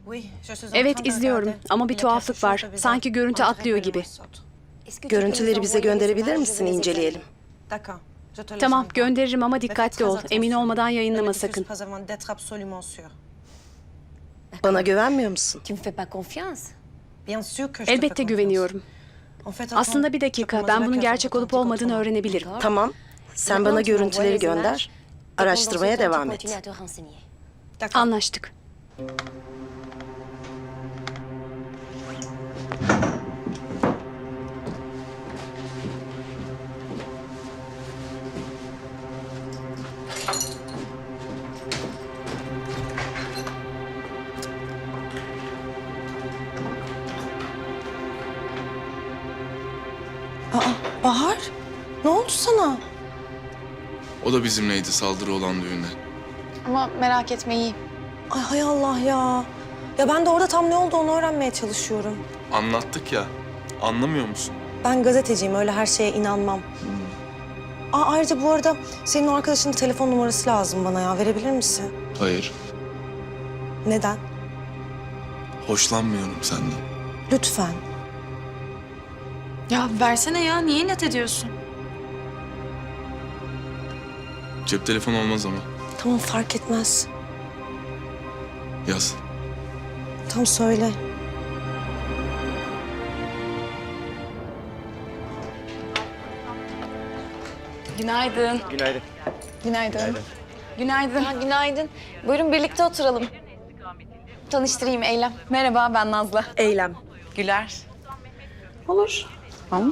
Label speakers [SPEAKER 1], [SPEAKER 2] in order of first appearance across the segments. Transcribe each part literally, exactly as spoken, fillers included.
[SPEAKER 1] Evet, izliyorum ama bir tuhaflık var. Sanki görüntü atlıyor gibi.
[SPEAKER 2] Görüntüleri bize gönderebilir misin, inceleyelim?
[SPEAKER 1] Tamam, gönderirim ama dikkatli ol. Emin olmadan yayınlama sakın.
[SPEAKER 2] Bana güvenmiyor musun?
[SPEAKER 3] Tu me fais pas confiance?
[SPEAKER 1] Elbette güveniyorum. Aslında bir dakika, ben bunun gerçek olup olmadığını öğrenebilirim.
[SPEAKER 2] Tamam. Sen bana görüntüleri gönder. Araştırmaya devam et.
[SPEAKER 1] Anlaştık.
[SPEAKER 2] Aa, Bahar, ne oldu sana?
[SPEAKER 4] O da bizimleydi saldırı olan düğünde.
[SPEAKER 5] Ama merak etme iyi.
[SPEAKER 2] Ay hay Allah ya. Ya ben de orada tam ne olduğunu öğrenmeye çalışıyorum.
[SPEAKER 4] Anlattık ya. Anlamıyor musun?
[SPEAKER 2] Ben gazeteciyim, öyle her şeye inanmam. Aa, ayrıca bu arada senin o arkadaşının telefon numarası lazım bana ya. Verebilir misin?
[SPEAKER 4] Hayır.
[SPEAKER 2] Neden?
[SPEAKER 4] Hoşlanmıyorum senden.
[SPEAKER 2] Lütfen.
[SPEAKER 5] Ya versene ya. Niye inat ediyorsun?
[SPEAKER 4] Cep telefonu olmaz ama.
[SPEAKER 2] Tamam, fark etmez.
[SPEAKER 4] Yaz.
[SPEAKER 2] Tamam, söyle.
[SPEAKER 5] Günaydın.
[SPEAKER 6] Günaydın.
[SPEAKER 5] Günaydın. Günaydın. Ha, günaydın. Buyurun birlikte oturalım. Tanıştırayım Eylem. Merhaba, ben Nazlı.
[SPEAKER 2] Eylem.
[SPEAKER 5] Güler. Olur. Tamam.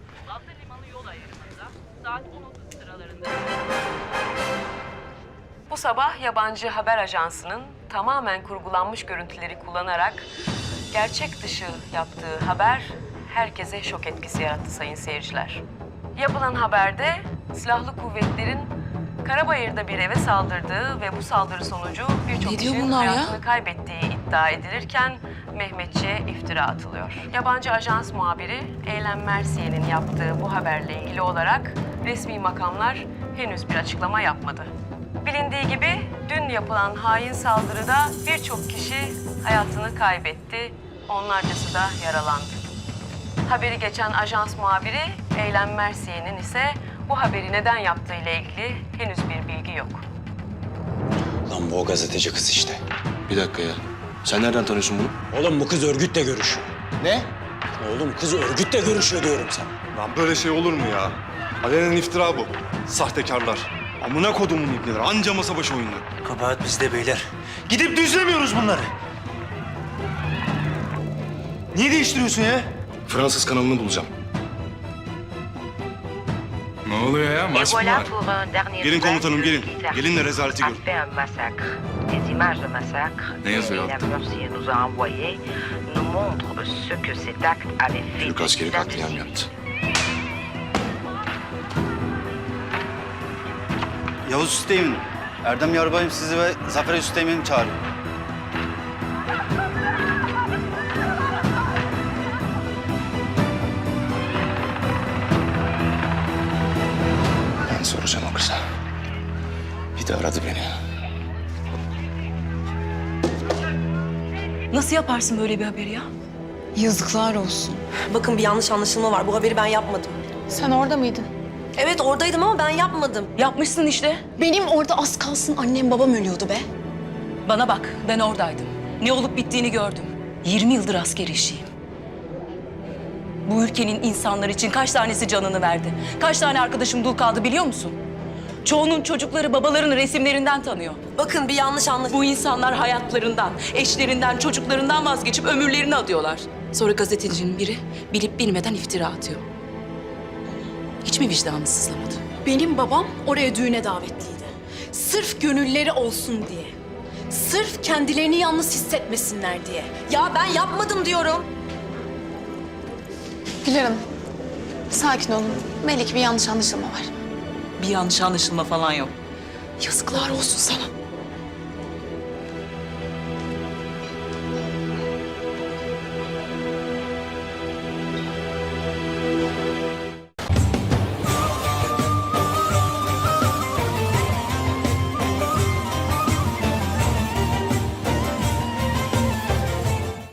[SPEAKER 7] Bu sabah yabancı haber ajansının tamamen kurgulanmış görüntüleri kullanarak gerçek dışı yaptığı haber herkese şok etkisi yarattı sayın seyirciler. Yapılan haberde silahlı kuvvetlerin Karabayır'da bir eve saldırdığı ve bu saldırı sonucu birçok
[SPEAKER 5] Ne diyor
[SPEAKER 7] kişinin
[SPEAKER 5] bunlar ya?
[SPEAKER 7] hayatını kaybettiği iddia edilirken Mehmetçi'ye iftira atılıyor. Yabancı ajans muhabiri Eylem Mersiye'nin yaptığı bu haberle ilgili olarak resmi makamlar henüz bir açıklama yapmadı. Bilindiği gibi dün yapılan hain saldırıda birçok kişi hayatını kaybetti, onlarcası da yaralandı. Haberi geçen ajans muhabiri Eylem Mersiye'nin ise bu haberi neden yaptığı ile ilgili henüz bir bilgi yok.
[SPEAKER 6] Lan bu o gazeteci kız işte.
[SPEAKER 4] Bir dakika ya. Sen nereden tanıyorsun bunu?
[SPEAKER 6] Oğlum bu kız örgütle görüşüyor.
[SPEAKER 4] Ne?
[SPEAKER 6] Oğlum kız örgütle görüşüyor diyorum sana.
[SPEAKER 8] Lan böyle şey olur mu ya? Alenen iftira bu. Sahtekarlar. Amına kodumun ibneler. Anca masa başı oyundu.
[SPEAKER 6] Kabahat bizde beyler. Gidip düzlemiyoruz bunları. Niye değiştiriyorsun ya?
[SPEAKER 8] Fransız kanalını bulacağım.
[SPEAKER 4] Ne oluyor ya? Maç mı var?
[SPEAKER 8] Gelin komutanım, gelin. Gelin de rezaleti görün.
[SPEAKER 4] Ne yazıyor altta? Türk askeri katliam yaptı.
[SPEAKER 9] Yavuz Üsteğmen, Erdem Yarbayım sizi ve Zafer Üsteğmen'i çağırıyor.
[SPEAKER 4] Ben soracağım o kıza. Bir de aradı beni.
[SPEAKER 7] Nasıl yaparsın böyle bir haberi ya?
[SPEAKER 5] Yazıklar olsun.
[SPEAKER 2] Bakın, bir yanlış anlaşılma var. Bu haberi ben yapmadım.
[SPEAKER 5] Sen orada mıydın?
[SPEAKER 2] Evet, oradaydım ama ben yapmadım.
[SPEAKER 7] Yapmışsın işte.
[SPEAKER 5] Benim orada az kalsın annem babam ölüyordu be.
[SPEAKER 7] Bana bak, ben oradaydım. Ne olup bittiğini gördüm. yirmi yıldır asker eşiyim. Bu ülkenin insanlar için kaç tanesi canını verdi? Kaç tane arkadaşım dul kaldı biliyor musun? Çoğunun çocukları babalarının resimlerinden tanıyor.
[SPEAKER 2] Bakın, bir yanlış anlaşılma.
[SPEAKER 7] Bu insanlar hayatlarından, eşlerinden, çocuklarından vazgeçip ömürlerini adıyorlar. Sonra gazetecinin biri bilip bilmeden iftira atıyor. Hiç mi vicdanı sızlamadı?
[SPEAKER 10] Benim babam oraya düğüne davetliydi. Sırf gönülleri olsun diye. Sırf kendilerini yalnız hissetmesinler diye.
[SPEAKER 2] Ya ben yapmadım diyorum.
[SPEAKER 5] Güler Hanım, sakin olun. Belli ki bir yanlış anlaşılma var.
[SPEAKER 7] Bir yanlış anlaşılma falan yok.
[SPEAKER 10] Yazıklar olsun sana.